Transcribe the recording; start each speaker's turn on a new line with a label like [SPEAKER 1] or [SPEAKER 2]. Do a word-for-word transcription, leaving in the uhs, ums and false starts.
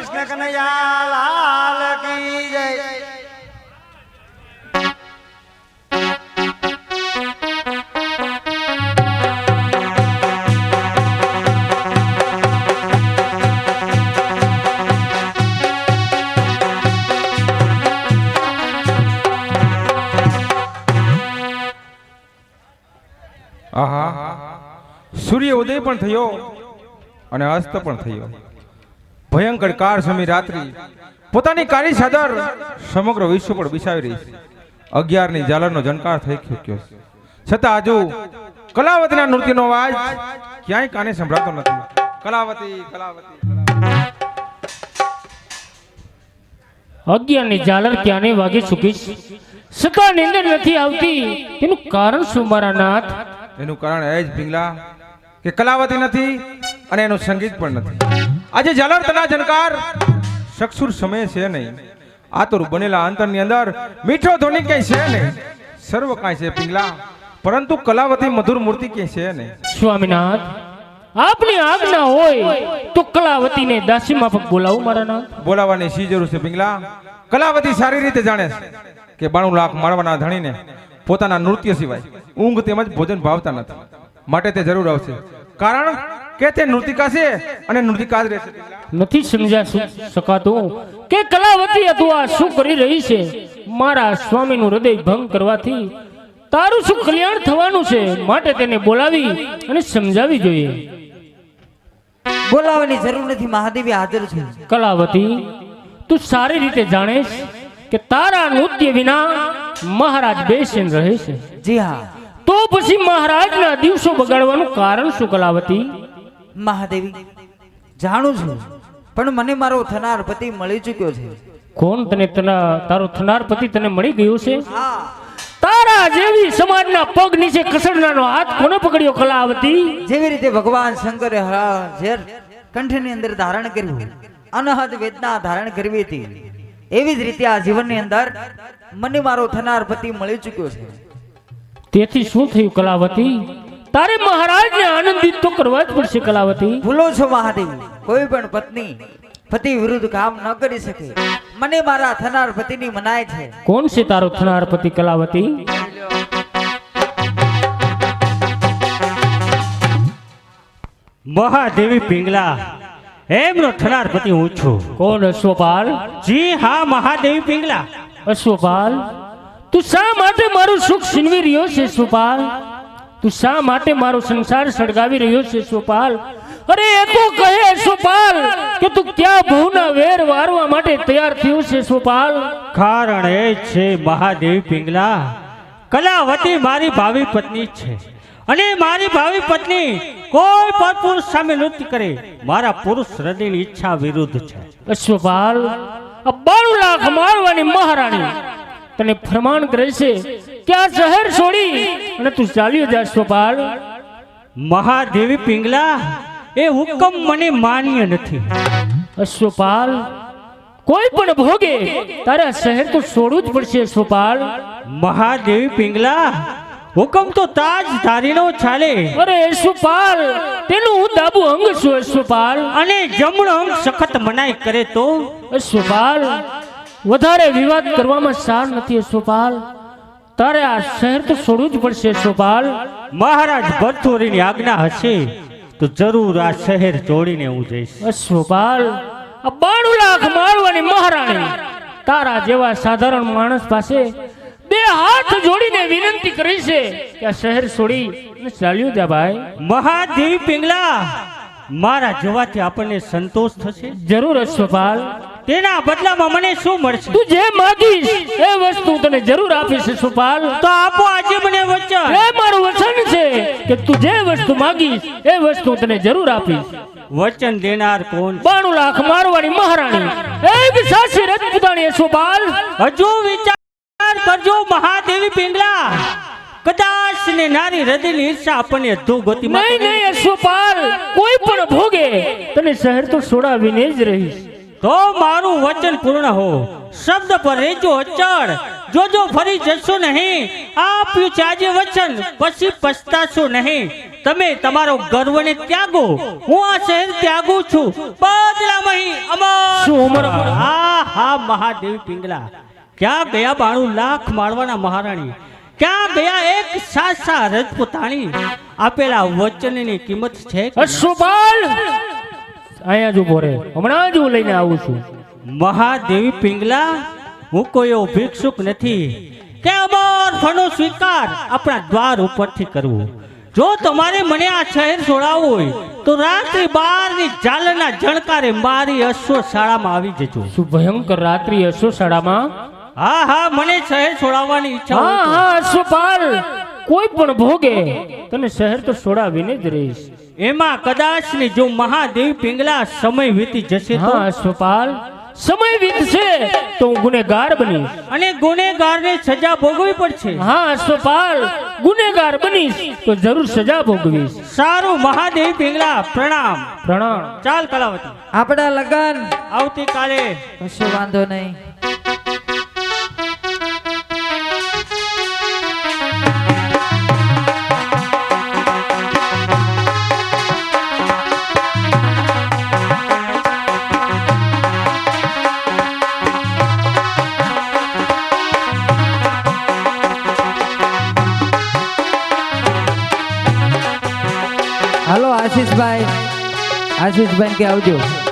[SPEAKER 1] કૃષ્ણ કનૈયા લાલ કી જય।
[SPEAKER 2] આહા સૂર્ય ઉદય પણ થયો અને અસ્ત પણ થયો। ભયંકર કાર સમી રાત્રિ પોતાની કાળી ચાદર સમગ્ર વિશ્વ પર બિછાવી રહી છે। અગિયાર ની ઝાલરનો ઝંકાર થઈ ચૂક્યો છે, છતાં હજુ કલાવતીના નૃત્યનો અવાજ ક્યાંય કાને સંભળાતો નથી। કલાવતી કલાવતી
[SPEAKER 3] અગિયાર ની ઝાલર ક્યાંને વાગે ચૂકી છે, છતાં નીંદર નથી આવતી। તેનું કારણ શું મારા નાથ?
[SPEAKER 2] એનું કારણ એ જ પિંગલા કે કલાવતી નથી અને એનું સંગીત પણ નથી। આજે ઝાલર તના ઝંકાર સક્ષુર સમય છે નહીં, આતુર બનેલા અંતરની અંદર મીઠો ધ્વનિ ક્યાંય છે નહીં। સર્વ કાંઈ છે પિંગલા, પરંતુ કલાવતી મધુર મૂર્તિ ક્યાંય છે નહીં।
[SPEAKER 3] સ્વામીનાથ, આપની આજ્ઞા હોય તો કલાવતીને દાસી માફક બોલાવું મારા નાથ।
[SPEAKER 2] બોલાવવાની શી જરૂર છે પિંગલા? કલાવતી સારી રીતે જાણે છે કે બાણું લાખ માળવાના ધણીને પોતાના નૃત્ય સિવાય ઊંઘ તેમજ ભોજન ભાવતા નથી, માટે તે જરૂર આવશે, કારણ કે તે નૃતિકા છે અને નૃતિકા જ રહેશે।
[SPEAKER 3] નથી સમજા શકાતું કે કલાવતી તું આ શું કરી રહી છે? મારા સ્વામીનું હૃદય ભંગ કરવાથી તારું શું કલ્યાણ થવાનું છે? માટે તેને બોલાવી અને સમજાવી જોઈએ।
[SPEAKER 4] બોલાવવાની જરૂર નથી, મહાદેવી હાજર છે।
[SPEAKER 3] કલાવતી, તું સારી રીતે જાણેશ કે તારા નૃત્ય વિના મહારાજ બેસીને રહે છે।
[SPEAKER 4] જી હા,
[SPEAKER 3] તો પછી મહારાજના દિવસો બગાડવાનું કારણ શું કલાવતી?
[SPEAKER 4] મહાદેવી જાણું છું, પણ મને મારો થનાર પતિ મળી ચૂક્યો છે।
[SPEAKER 3] કોણ તને તના તારો થનાર પતિ તને મળી ગયો છે?
[SPEAKER 4] હા,
[SPEAKER 3] તારા જેવી સમાજના પગ નીચે કસરનાનો હાથ કોને પકડ્યો કલાવતી?
[SPEAKER 4] જેવી રીતે ભગવાન શંકરે ઝેર કંઠની અંદર ધારણ કર્યું, અનહદ વેદના ધારણ કરવી હતી, એવી જ રીતે આ જીવનની અંદર મને મારો થનાર પતિ મળી ચૂક્યો છે।
[SPEAKER 3] તેથી શું થયું કલાવતી? તારે મહારાજને આનંદિત તો કરવા જ પડશે કલાવતી।
[SPEAKER 4] ભૂલો છો મહાદેવી, કોઈ પણ પત્ની પતિ વિરુદ્ધ કામ ન કરી શકે। મને મારા થનાર પતિની મનાય છે।
[SPEAKER 3] કોણ છે તારો થનાર પતિ કલાવતી?
[SPEAKER 5] મહાદેવી પિંગલા, એમનો થનાર પતિ હું છું।
[SPEAKER 3] કોણ? અશ્વપાલ?
[SPEAKER 5] જી હા, મહાદેવી પિંગલા।
[SPEAKER 3] અશ્વપાલ, તું શા માટે મારું સુખ છીનવી રહ્યો છે અશ્વપાલ? તું શા માટે મારો સંસાર સળગાવી રહ્યો છે અશ્વપાલ? અરે એ તો કહે અશ્વપાલ કે તું ક્યાં ભવના વેર વારવા માટે તૈયાર થયો છે અશ્વપાલ?
[SPEAKER 5] કારણ એ છે મહાદેવી પિંગલા, કલાવતી મારી ભાવિ પત્ની છે અને મારી ભાવિ પત્ની કોઈ પણ પુરુષ સામે નૃત્ય કરે મારા પુરુષ હૃદયની ઈચ્છા વિરુદ્ધ છે।
[SPEAKER 3] અશ્વપાલ, આ બાણું લાખ મારવાની મહારાણી તને ફરમાન કરે છે કે આ શહેર છોડી અને તું ચાલ્યો જા અશ્વપાલ।
[SPEAKER 5] મહાદેવી પિંગલા, એ હુકમ મને માન્ય નથી।
[SPEAKER 3] અશ્વપાલ, કોઈ પણ ભોગે તારે આ શહેર તો છોડવું જ પડશે અશ્વપાલ।
[SPEAKER 5] મહાદેવી પિંગલા, હુકમ તો તાજ ધારીનો ચાલે।
[SPEAKER 3] અરે અશ્વપાલ, તેનું હું ડાબુ અંગ છું અશ્વપાલ।
[SPEAKER 5] અને જમણો અંગ સખત મનાઈ કરે તો?
[SPEAKER 3] અશ્વપાલ, વધારે વિવાદ કરવામાં સાર નથી અશ્વપાલ, તારે આ શહેર તો છોડવું જ પડશે અશ્વપાલ।
[SPEAKER 5] મહારાજ ભરથોરીની આજ્ઞા હશે તો જરૂર આ શહેર છોડીને હું જઈશ।
[SPEAKER 3] અશ્વપાલ, આ બાણું લાખ મારવાની મહારાણી તારા જેવા સાધારણ માણસ પાસે બે હાથ જોડીને વિનંતી કરી છે કે આ શહેર છોડી ચાલ્યો જા ભાઈ।
[SPEAKER 5] મહાદેવી પિંગલા, મારા જવાથી આપણને સંતોષ થશે?
[SPEAKER 3] જરૂર અશ્વપાલ।
[SPEAKER 5] તેના બદલામાં મને શું મળશે?
[SPEAKER 3] તું જે માંગીશ એ વસ્તુ તને જરૂર આપીશ અશ્વપાલ।
[SPEAKER 5] તો આપો આજે મને વચન।
[SPEAKER 3] એ મારું વચન છે કે તું જે વસ્તુ માંગીશ એ વસ્તુ તને જરૂર આપીશ।
[SPEAKER 5] વચન દેનાર કોણ?
[SPEAKER 3] બાણું લાખ મારવાની મહારાણી એક સાસી રજપૂતાણી અશ્વપાલ।
[SPEAKER 5] હજુ વિચાર કરજો મહાદેવી પિંગલા, કદાચ ને નારી હૃદયની ઈર્ષા આપણને અધોગતિમાં
[SPEAKER 3] નહીં નહીં અશ્વપાલ, કોઈ પણ ભોગે તને શહેર તો છોડાવીને જ રહીશ।
[SPEAKER 5] તો મારું વચન પૂર્ણ હો, શબ્દ પર રહેજો અચળ। જોજો ફરી જશો નહીં, આપ્યું છે આજે વચન, પછી પછતાશો નહીં। તમે તમારો ગર્વને ત્યાગો, હું આ શહેર ત્યાગું છું. બદલામાં અહીં અમર
[SPEAKER 3] શું અમર?
[SPEAKER 5] હા હા મહાદેવી પિંગલા, ક્યાં ગયા બાણું લાખ માળવાના મહારાણી? ક્યાં ગયા એક સાસા રજપૂતાણી? આપેલા વચનની કિંમત છે કે?
[SPEAKER 3] અશ્વપાલ અહીંયા જ ઉભો રહે, હમણાં જ હું લઈને આવું છું.
[SPEAKER 5] મહાદેવી પિંગલા, હું કોઈ એવો ભિક્ષુક નથી કે અમર ફળનો સ્વીકાર આપણા દ્વાર ઉપરથી કરવો. જો તમારે મને આ શહેર છોડાવવું હોય તો રાત્રિ બારની ઝાલરના જણકારે મારી અશ્વશાળામાં આવી જજો.
[SPEAKER 3] શું ભયંકર રાત્રિ અશ્વશાળામાં?
[SPEAKER 5] હા હા, મને શહેર છોડાવવાની ઈચ્છા હોય
[SPEAKER 3] હા
[SPEAKER 5] તો.
[SPEAKER 3] હા અશ્વપાલ, કોઈ પણ ભોગે તને શહેર તો છોડાવીને જ રહીશ.
[SPEAKER 5] એમાં કદાચ ને જો મહાદેવી પિંગલા સમય વીતી જશે તો?
[SPEAKER 3] હા અશ્વપાલ, સમય વીતશે તો હું ગુનેગાર બનીશ.
[SPEAKER 5] અને ગુનેગારને સજા ભોગવવી પડશે.
[SPEAKER 3] હા અશ્વપાલ, ગુનેગાર બનીશ તો જરૂર સજા ભોગવીશ.
[SPEAKER 5] સારું મહાદેવી પિંગલા, પ્રણામ.
[SPEAKER 3] પ્રણામ.
[SPEAKER 5] ચાલ કલાવતી,
[SPEAKER 4] આપણા લગન
[SPEAKER 5] આવતીકાલે.
[SPEAKER 4] કશો વાંધો નહીં. હાલો આશીષભાઈ, આશીષભાઈ કે આવજો.